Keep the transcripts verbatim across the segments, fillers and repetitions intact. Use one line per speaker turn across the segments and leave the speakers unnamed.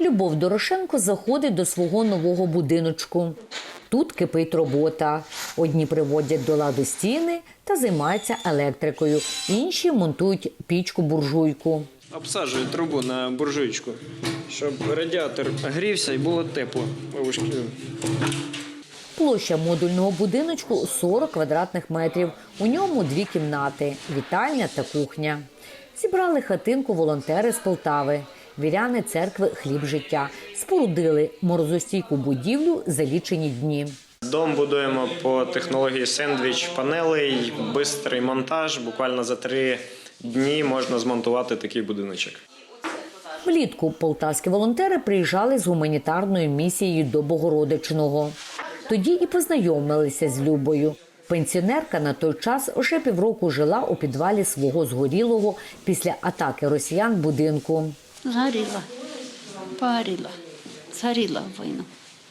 Любов Дорошенко заходить до свого нового будиночку. Тут кипить робота. Одні приводять до ладу стіни та займаються електрикою, інші монтують пічку-буржуйку.
Обсаджую трубу на буржуйку, щоб радіатор грівся і було тепло.
Площа модульного будиночку – сорок квадратних метрів. У ньому дві кімнати – вітальня та кухня. Зібрали хатинку волонтери з Полтави. Віряни церкви «Хліб життя» спорудили морозостійку будівлю за лічені дні.
Дом будуємо по технології сендвіч-панелей, швидкий монтаж. Буквально за три дні можна змонтувати такий будиночок.
Влітку полтавські волонтери приїжджали з гуманітарною місією до Богородичного. Тоді і познайомилися з Любою. Пенсіонерка на той час вже півроку жила у підвалі свого згорілого після атаки росіян будинку.
Згоріла, парила, згоріла в війну.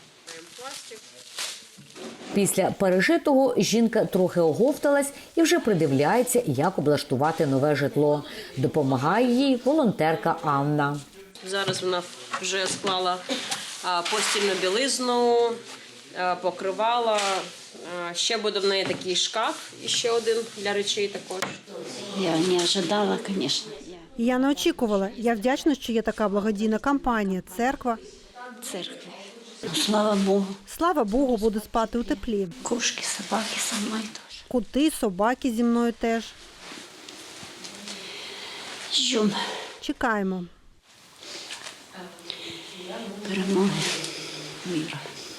Після пережитого жінка трохи оговталась і вже придивляється, як облаштувати нове житло. Допомагає їй волонтерка Анна.
Зараз вона вже склала постільну білизну, покривала. Ще буде в неї такий шкаф, і ще один для речей також.
Я не очікувала, звісно.
Я не очікувала. Я вдячна, що є така благодійна кампанія, церква.
Церкви. Слава Богу.
Слава Богу, буду спати у теплі.
Кошки, собаки со мною теж.
Коти, собаки зі мною теж.
Ждемо
Чекаємо.
перемоги миру.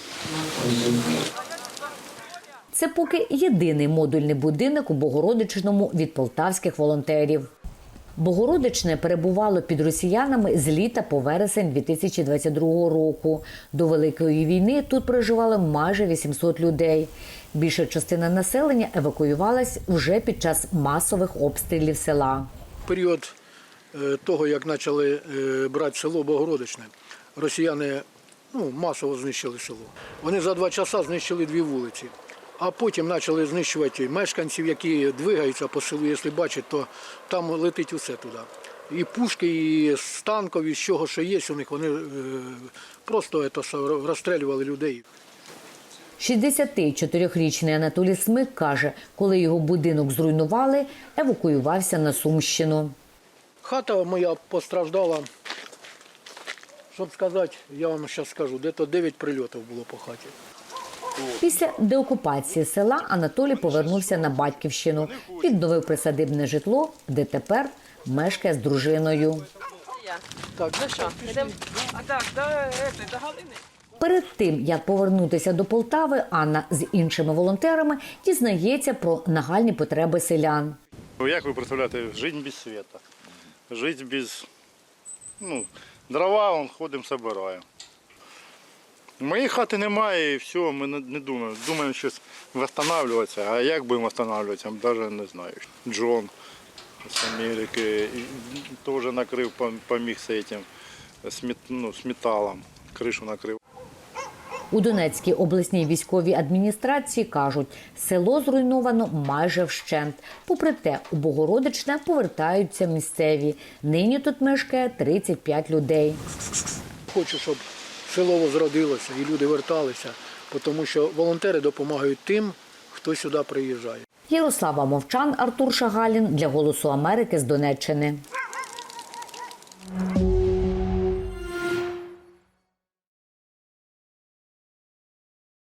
Це поки єдиний модульний будинок у Богородичному від полтавських волонтерів. Богородичне перебувало під росіянами з літа по вересень дві тисячі двадцять другого року. До Великої війни тут проживало майже вісімсот людей. Більша частина населення евакуювалась вже під час масових обстрілів села.
Період того, як почали брати село Богородичне, росіяни ну, масово знищили село. Вони за два часа знищили дві вулиці. А потім почали знищувати мешканців, які двигаються по селу, якщо бачать, то там летить усе туди. І пушки, і з танків, і з чого, що є у них, вони просто розстрілювали людей.
шістдесятичотирирічний Анатолій Смик каже, коли його будинок зруйнували, евакуювався на Сумщину.
Хата моя постраждала, щоб сказати, я вам зараз скажу, десь дев'ять прильотів було по хаті.
Після деокупації села Анатолій повернувся на батьківщину, відновив присадибне житло, де тепер мешкає з дружиною.
Так,
Ну що, йдемо? А так, до Галини.
Перед тим, як повернутися до Полтави, Анна з іншими волонтерами дізнається про нагальні потреби селян.
Як ви представляєте, жити без світу, жити без ну, дрова, вон, ходимо, збираємо. Моєї хати немає і все, ми не думаємо. Думаємо щось відновлюватися, а як будемо відновлюватися, навіть не знаю. Джон з Америки теж накрив, поміг з цим, ну, з металом, кришу накрив.
У Донецькій обласній військовій адміністрації кажуть, село зруйновано майже вщент. Попри те, у Богородичне повертаються місцеві. Нині тут мешкає тридцять п'ять людей.
Хочу, щоб село возродилося і люди верталися, тому що волонтери допомагають тим, хто сюди приїжджає.
Ярослава Мовчан, Артур Шагалін для «Голосу Америки» з Донеччини.